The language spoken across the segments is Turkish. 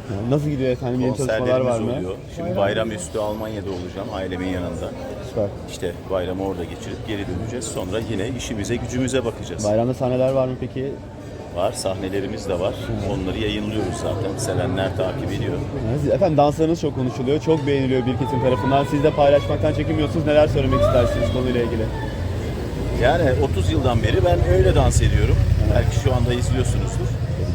Nasıl gidiyor efendim? Yeni çalışmalar var mı? Oluyor. Şimdi bayramüstü Almanya'da olacağım ailemin yanında. Süper. İşte bayramı orada geçirip geri döneceğiz. Sonra yine işimize gücümüze bakacağız. Bayramda sahneler var mı peki? Var, sahnelerimiz de var. Onları yayınlıyoruz zaten. Sevenler takip ediyor. Evet, efendim danslarınız çok konuşuluyor. Çok beğeniliyor bir kesim tarafından. Siz de paylaşmaktan çekinmiyorsunuz. Neler söylemek istersiniz konuyla ilgili? Yani 30 yıldan beri ben öyle dans ediyorum. Belki şu anda izliyorsunuzdur.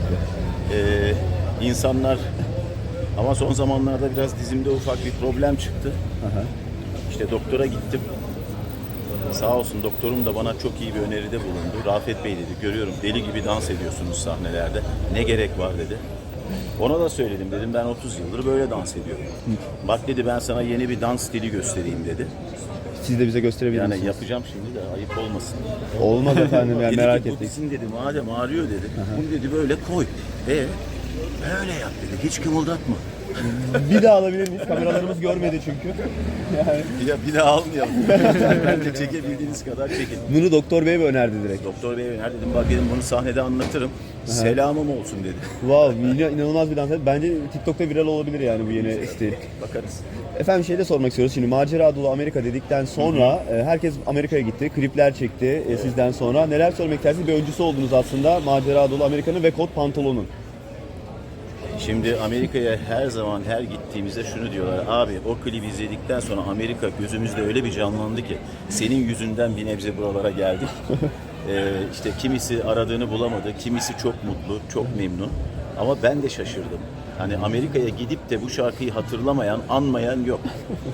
İnsanlar ama son zamanlarda biraz dizimde ufak bir problem çıktı. İşte doktora gittim. Sağ olsun doktorum da bana çok iyi bir öneride bulundu. Rafet Bey dedi, görüyorum deli gibi dans ediyorsunuz sahnelerde. Ne gerek var dedi. Ona da söyledim, dedim ben 30 yıldır böyle dans ediyorum. Bak dedi, ben sana yeni bir dans stili göstereyim dedi. Siz de bize gösterebilir Yani misiniz? yapacağım şimdi de ayıp olmasın. Olmaz efendim yani Dedi merak ki, bu ettik. bizim dedi madem ağrıyor dedi. Bunu dedi böyle koy. Öyle yap dedi. Hiç kımıldatma. Bir daha alabilir miyiz? Kameralarımız görmedi çünkü. Bir daha almayalım. Ben de çekebildiğiniz kadar çekin. Bunu doktor bey mi önerdi direkt? Doktor bey öner dedim, bak dedim bunu sahnede anlatırım. Selamım olsun dedi. Wow, inanılmaz bir dans. Bence TikTok'ta viral olabilir yani bu yeni stil. Bakarız. Efendim şey de sormak istiyoruz. Şimdi macera dolu Amerika dedikten sonra herkes Amerika'ya gitti. Klipler çekti sizden sonra. Neler söylemek istersiniz? Bir öncüsü oldunuz aslında macera dolu Amerika'nın ve kot pantolonun. Şimdi Amerika'ya her zaman her gittiğimizde şunu diyorlar. Abi o klibi izledikten sonra Amerika gözümüzde öyle bir canlandı ki senin yüzünden bir nebze buralara geldik. İşte kimisi aradığını bulamadı, kimisi çok mutlu, çok memnun. Ama ben de şaşırdım. Hani Amerika'ya gidip de bu şarkıyı hatırlamayan, anmayan yok.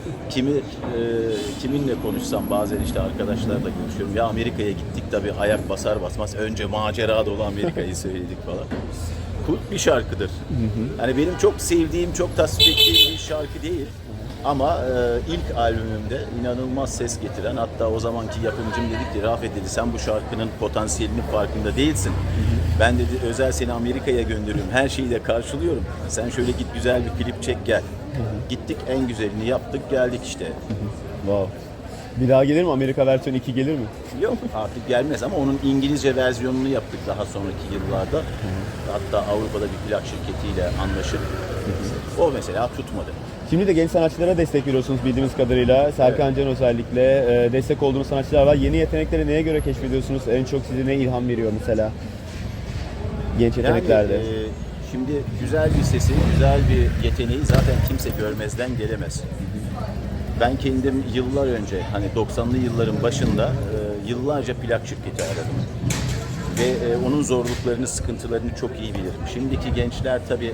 Kiminle konuşsam bazen işte arkadaşlarla görüşüyorum. Ya Amerika'ya gittik tabii ayak basar basmaz önce macera dolu Amerika'yı söyledik falan. Kult bir şarkıdır. Hani benim çok sevdiğim, çok tasvip ettiğim bir şarkı değil. Ama ilk albümümde inanılmaz ses getiren, hatta o zamanki yapımcım dedi ki Rafet dedi sen bu şarkının potansiyelinin farkında değilsin. Ben dedi özel seni Amerika'ya gönderiyorum, her şeyi de karşılıyorum. Sen şöyle git güzel bir klip çek gel. Gittik en güzelini yaptık geldik işte. Wow. Bir daha gelir mi? Amerika versiyonu 2 gelir mi? Yok artık gelmez ama onun İngilizce versiyonunu yaptık daha sonraki yıllarda. Hatta Avrupa'da bir plak şirketiyle anlaşıp o mesela tutmadı. Şimdi de genç sanatçılara destek veriyorsunuz bildiğimiz kadarıyla. Serkan Can özellikle destek olduğunuz sanatçılar var. Yeni yetenekleri neye göre keşfediyorsunuz? En çok size ne ilham veriyor mesela? Genç yeteneklerde. Yani, şimdi güzel bir sesi, güzel bir yeteneği zaten kimse görmezden gelemez. Ben kendim yıllar önce, hani 90'lı yılların başında yıllarca plak şirketi aradım. Ve onun zorluklarını, sıkıntılarını çok iyi bilirim. Şimdiki gençler tabii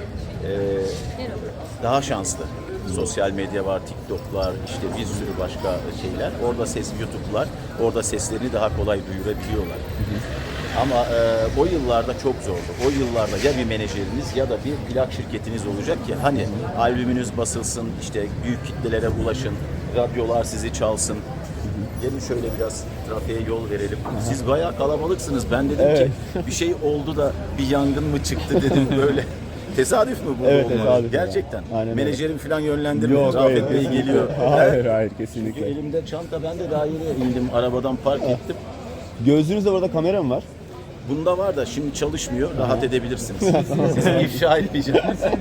daha şanslı. Sosyal medya var, TikTok var, işte bir sürü başka şeyler. Orada YouTube'lar, orada seslerini daha kolay duyurabiliyorlar. Ama o yıllarda çok zordu. O yıllarda ya bir menajeriniz ya da bir plak şirketiniz olacak ki hani albümünüz basılsın, işte büyük kitlelere ulaşın, radyolar sizi çalsın. Gelin şöyle biraz trafiğe yol verelim. Siz bayağı kalabalıksınız. Ben dedim ki bir şey oldu da bir yangın mı çıktı dedim böyle. Tesadüf mü bu Evet, olmalı? tesadüf. Gerçekten. Aynen öyle. Menajerim falan yönlendirmedi. Yok, Rafet hayır. Bey geliyor. Hayır Çünkü kesinlikle. elimde çanta, ben de daha yeni indim. Arabadan park ettim. Gözünüzde burada kamera mı var? Bunda var da şimdi çalışmıyor. Rahat edebilirsiniz. Sizi ifşa etmeyeceğim.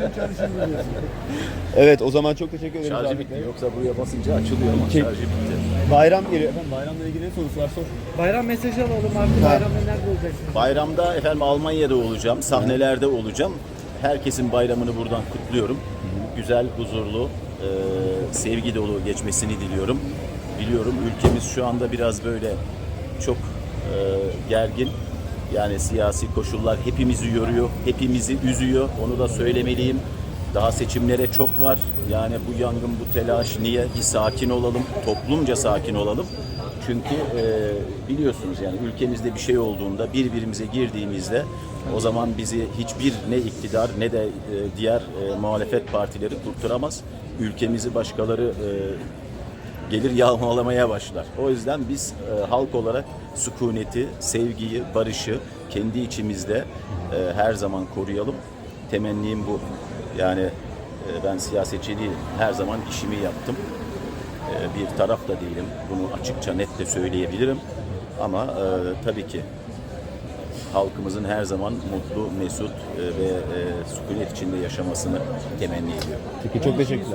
Evet o zaman çok teşekkür ederim. Şarjı Rafet bitti. Bey. Yoksa buraya basınca açılıyor ama Ki- şarjı bitti. Bayram geliyor. Efendim bayramla ilgili ne sorusu var sor. Bayram mesajı alalım artık. Bayramda nerede olacaksınız? Bayramda efendim Almanya'da olacağım. Sahnelerde olacağım. Herkesin bayramını buradan kutluyorum. Güzel, huzurlu, sevgi dolu geçmesini diliyorum. Biliyorum ülkemiz şu anda biraz böyle çok gergin. Yani siyasi koşullar hepimizi yoruyor, hepimizi üzüyor. Onu da söylemeliyim. Daha seçimlere çok var. Yani bu yangın, bu telaş niye? Bir sakin olalım, toplumca sakin olalım. Çünkü biliyorsunuz yani ülkemizde bir şey olduğunda birbirimize girdiğimizde o zaman bizi hiçbir ne iktidar ne de diğer muhalefet partileri kurtaramaz. Ülkemizi başkaları gelir yağmalamaya başlar. O yüzden biz halk olarak sükuneti, sevgiyi, barışı kendi içimizde her zaman koruyalım. Temennim bu. Yani ben siyasetçi değilim. Her zaman işimi yaptım. Bir taraf da değilim. Bunu açıkça net de söyleyebilirim. Ama tabii ki halkımızın her zaman mutlu, mesut ve sükunet içinde yaşamasını temenni ediyorum. Peki çok teşekkürler.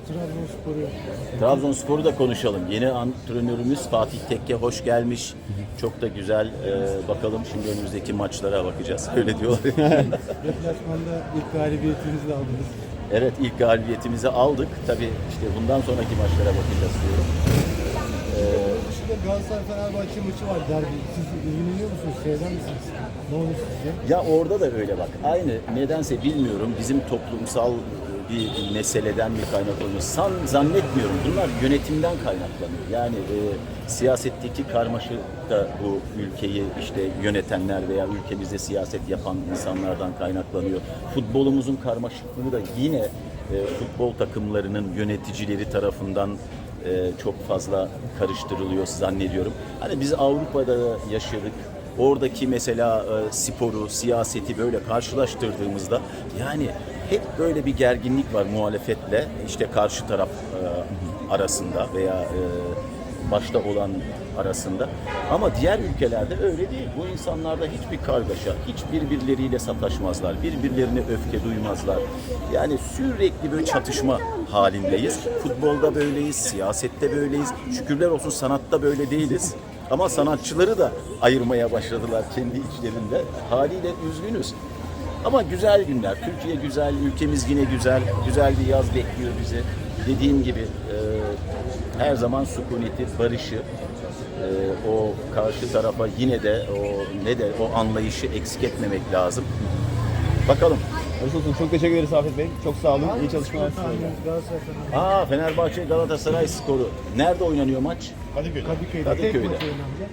Trabzonspor'u da konuşalım. Yeni antrenörümüz Fatih Tekke hoş gelmiş. Çok da güzel. Bakalım şimdi önümüzdeki maçlara bakacağız. Öyle diyorlar. Deplasmanda ilk galibiyetinizi de aldınız. Evet, ilk galibiyetimizi aldık. Tabii işte bundan sonraki maçlara bakacağız diyorum. Dışında Galatasaray-Fenerbahçe maçı var derbi. Siz ilgileniyor musunuz? Seyreder misiniz? Ne olur sizce? Ya orada da öyle bak. Aynı nedense bilmiyorum. Bizim toplumsal bir meseleden mi kaynaklanıyor? Zannetmiyorum. Bunlar yönetimden kaynaklanıyor. Yani siyasetteki karmaşa da bu ülkeyi işte yönetenler veya ülkemizde siyaset yapan insanlardan kaynaklanıyor. Futbolumuzun karmaşıklığı da yine futbol takımlarının yöneticileri tarafından çok fazla karıştırılıyor zannediyorum. Hani biz Avrupa'da yaşadık. Oradaki mesela sporu, siyaseti böyle karşılaştırdığımızda yani hep böyle bir gerginlik var muhalefetle işte karşı taraf arasında veya başta olan arasında. Ama diğer ülkelerde öyle değil. Bu insanlarda hiçbir kargaşa, hiç birbirleriyle sataşmazlar, birbirlerine öfke duymazlar. Yani sürekli böyle çatışma halindeyiz. Futbolda böyleyiz, siyasette böyleyiz. Şükürler olsun sanatta böyle değiliz. Ama sanatçıları da ayırmaya başladılar kendi içlerinde. Haliyle üzgünüz. Ama güzel günler. Türkiye güzel, ülkemiz yine güzel. Güzel bir yaz bekliyor bizi. Dediğim gibi her zaman sükuneti, barışı, o karşı tarafa yine de o anlayışı eksik etmemek lazım. Bakalım. Olsun, çok teşekkür ederiz Afet Bey. Çok sağ olun. İyi çalışmalar. Galatasaray-Fenerbahçe. Fenerbahçe Galatasaray skoru. Nerede oynanıyor maç? Kadıköy'de. Kadıköy'de. Tek maç oynanacak.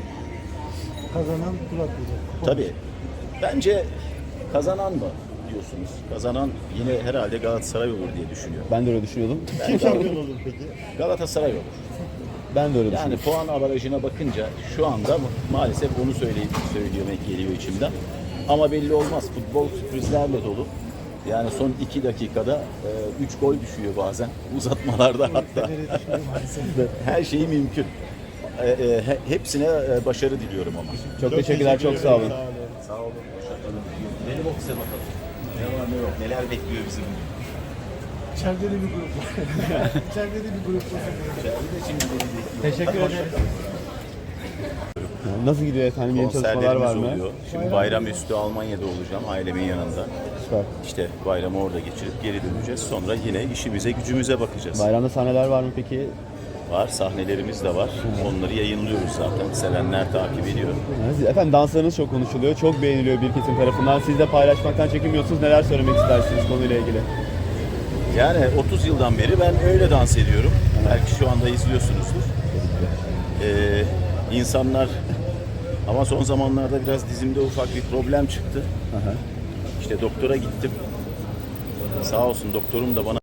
Kazanan tur atlayacak. Tabii. Bence kazanan mı diyorsunuz? Kazanan yine herhalde Galatasaray olur diye düşünüyorum. Ben de öyle düşünüyordum. Kim şampiyon olur peki? Galatasaray olur. Ben de öyle Yani düşünüyorum. puan avarajına bakınca şu anda maalesef onu söylemek geliyor içimden. Ama belli olmaz. Futbol sürprizlerle dolu. Yani son 2 dakikada 3 gol düşüyor bazen. Uzatmalarda hatta. Her şey mümkün. Hepsine başarı diliyorum ama. Çok teşekkürler. Çok sağ olun. Sağ olun. Hoşçakalın. Gidelim ofise bakalım. Ne var ne yok. Neler bekliyor bizi bugün. İçeride de bir grup var. İçeride de bir grup var. İçeride de şimdi beni bekliyor. Teşekkür ederim. Nasıl gidiyor efendim? Yeni çalışmalar Konserlerimiz var mı? oluyor. Şimdi bayram üstü Almanya'da olacağım ailemin yanında. Süper. İşte bayramı orada geçirip geri döneceğiz. Sonra yine işimize gücümüze bakacağız. Bayramda sahneler var mı peki? Var, sahnelerimiz de var. Onları yayınlıyoruz zaten. Sevenler takip ediyor. Efendim danslarınız çok konuşuluyor. Çok beğeniliyor bir kesim tarafından. Siz de paylaşmaktan çekinmiyorsunuz. Neler söylemek istersiniz konuyla ilgili? Yani 30 yıldan beri ben öyle dans ediyorum. Belki şu anda izliyorsunuzdur. İnsanlar ama son zamanlarda biraz dizimde ufak bir problem çıktı. İşte doktora gittim. Sağ olsun doktorum da bana